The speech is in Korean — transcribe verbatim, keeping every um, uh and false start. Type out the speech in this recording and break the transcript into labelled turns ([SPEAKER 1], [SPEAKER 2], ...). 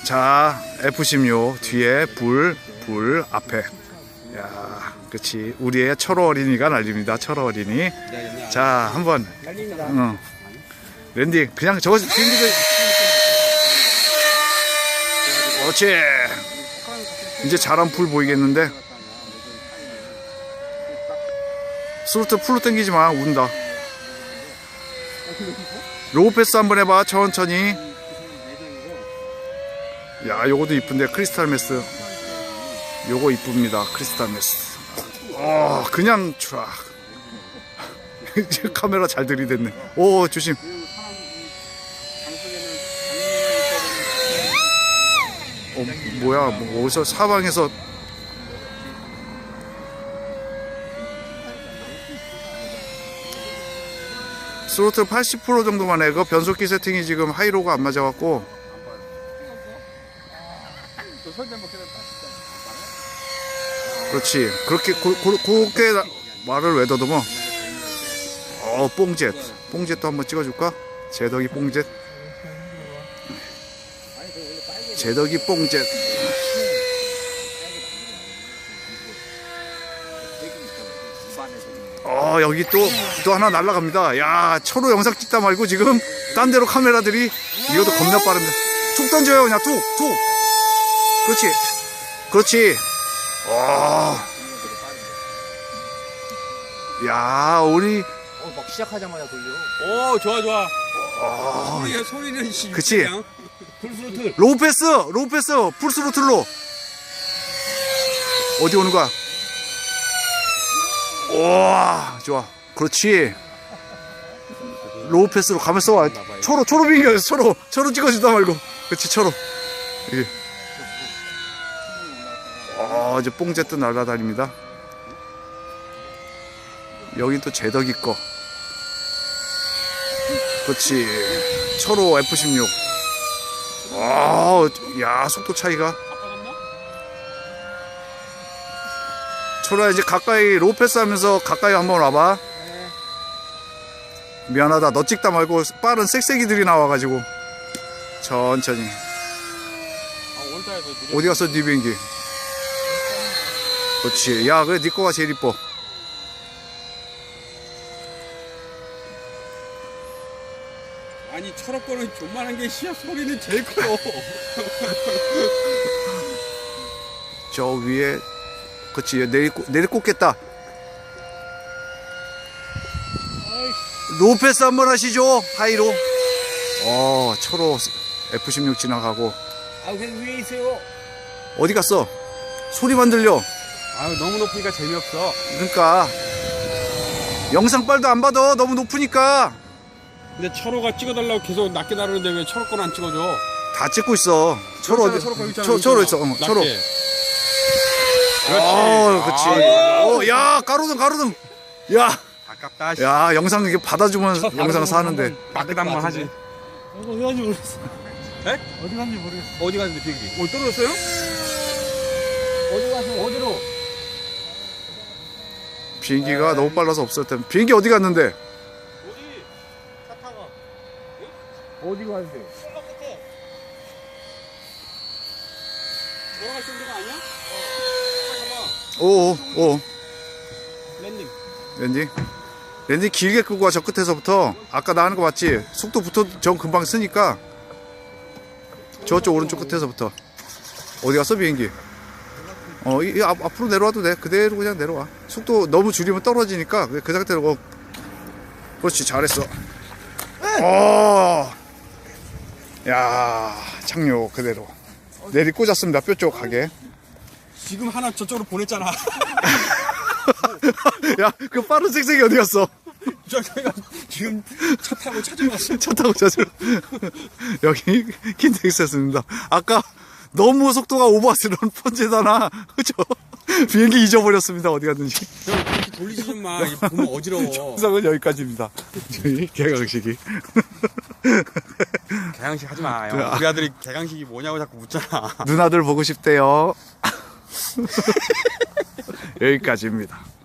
[SPEAKER 1] 자, 에프 십육 뒤에 불, 불 앞에. 야, 그렇지. 우리의 철호 어린이가 날립니다. 철호 어린이. 자, 한번. 어. 랜딩. 그냥 저거 비행기도. 그렇지. 이제 잘한 불 보이겠는데. 스로틀 풀로 당기지 마. 운다. 로우 패스 한번 해봐. 천천히. 야, 요거도 이쁜데. 크리스탈 메스. 요거 이쁩니다. 크리스탈 메스. 어, 그냥 촤. 카메라 잘 들이댔네. 오, 조심. 어, 뭐야, 뭐 어디서 사방에서. 스로틀 팔십 퍼센트 정도만 해. 그 변속기 세팅이 지금 하이로가 안 맞아갖고. 그렇지. 그렇게 고, 고, 그렇게 말을 왜 더듬어? 어, 뽕젯. 뽕젯도 한번 찍어줄까? 제덕이 뽕젯. 제덕이 뽕젯. 어, 여기 또, 또 하나 날아갑니다. 야, 철호 영상 찍다 말고 지금 딴 데로 카메라들이. 이것도 겁나 빠릅니다. 툭 던져요. 그냥 툭, 툭. 그렇지. 그렇지. 와. 야, 우리.
[SPEAKER 2] 어, 막 시작하자마자 돌려.
[SPEAKER 3] 오, 좋아, 좋아.
[SPEAKER 1] 어,
[SPEAKER 3] 소리가, 소리는 씨.
[SPEAKER 1] 그치.
[SPEAKER 3] 풀스로틀.
[SPEAKER 1] 로우 패스, 로우 패스, 풀스로틀로. 어디 오는 거야? 와, 좋아. 그렇지. 로우 패스로 가면서 와. 초로, 초로 비행기에서 초로, 초로 찍어주다 말고. 그렇지, 초로. 이게. 어, 이제 뽕제트 날아다닙니다. 여긴 또 제덕이 거. 그렇지. 초로 에프 십육. 아, 야, 속도 차이가. 초로야, 이제 가까이 로우 패스 하면서 가까이 한번 와봐. 미안하다. 너 찍다 말고 빠른 쌕쌕이들이 나와가지고. 천천히. 어디 갔어, 네 비행기? 그렇지. 야, 그래, 네 거가 제일 이뻐.
[SPEAKER 3] 아니, 철업 거는 존만한 게 시야 소리는 제일 커요.
[SPEAKER 1] 저 위에, 그렇지. 내리, 내리 꽂겠다. 로우 패스 한번 하시죠. 하이로. 어, 초로 에프 십육 지나가고.
[SPEAKER 2] 아, 그냥 위에 있어요.
[SPEAKER 1] 어디 갔어? 소리만 들려.
[SPEAKER 3] 아유, 너무 높으니까 재미없어.
[SPEAKER 1] 그러니까 영상빨도 안 받아. 너무 높으니까.
[SPEAKER 3] 근데 철호가 찍어달라고 계속 낮게 나르는데 왜 철호 거는 안 찍어줘?
[SPEAKER 1] 다 찍고 있어. 초로 어디?
[SPEAKER 3] 철호 거기 있잖아.
[SPEAKER 1] 초, 초로 있어. 어, 초로.
[SPEAKER 3] 낮게.
[SPEAKER 1] 어, 그렇지. 어, 야, 가로등, 가로등. 야,
[SPEAKER 3] 아깝다. 씨.
[SPEAKER 1] 야, 영상 이게 받아주면 영상 사는데.
[SPEAKER 3] 마크당만 하지.
[SPEAKER 2] 어디 갔는지 모르겠어.
[SPEAKER 3] 에?
[SPEAKER 2] 어디 갔는지 모르겠어.
[SPEAKER 3] 어디 갔는데 비행기? 뭐 떨어졌어요?
[SPEAKER 2] 어디 가서 어디로?
[SPEAKER 1] 비행기가 너무 빨라서 없을 텐데. 비행기 어디 갔는데?
[SPEAKER 3] 어디? 차 타고.
[SPEAKER 2] 어디로 가는데?
[SPEAKER 3] 철로 끝에. 돌아갈 수 있는 데가 아니야? 어.
[SPEAKER 1] 오, 오.
[SPEAKER 3] 랜딩.
[SPEAKER 1] 랜딩. 랜딩 길게 끄고 와, 저 끝에서부터. 아까 나 하는 거 맞지? 속도 붙어, 저 금방 쓰니까. 저쪽 오른쪽 끝에서부터. 어디 갔어, 비행기? 어, 이, 이 앞, 앞으로 내려와도 돼. 그대로 그냥 내려와. 속도 너무 줄이면 떨어지니까 그, 그 상태로. 어. 그렇지, 잘했어. 어. 야, 착륙 그대로. 내리 꽂았습니다. 뼈 쪽 가게.
[SPEAKER 3] 지금 하나 저쪽으로 보냈잖아.
[SPEAKER 1] 야, 그 빠른 색색이 어디 갔어?
[SPEAKER 3] 저기가 지금 차 타고 찾아왔어.
[SPEAKER 1] 차 타고 찾으러. 여기 킨텍스였습니다. 아까 너무 속도가 오버스러운 펀제다나. 그죠? 비행기 잊어버렸습니다. 어디 갔는지.
[SPEAKER 3] 저 그렇게 돌리지 좀 마. 이거 보면 어지러워.
[SPEAKER 1] 영상은 여기까지입니다. 저희 개강식이.
[SPEAKER 3] 개강식 하지 마. 요. 우리 아들이 개강식이 뭐냐고 자꾸 묻잖아.
[SPEAKER 1] 누나들 보고 싶대요. 여기까지입니다.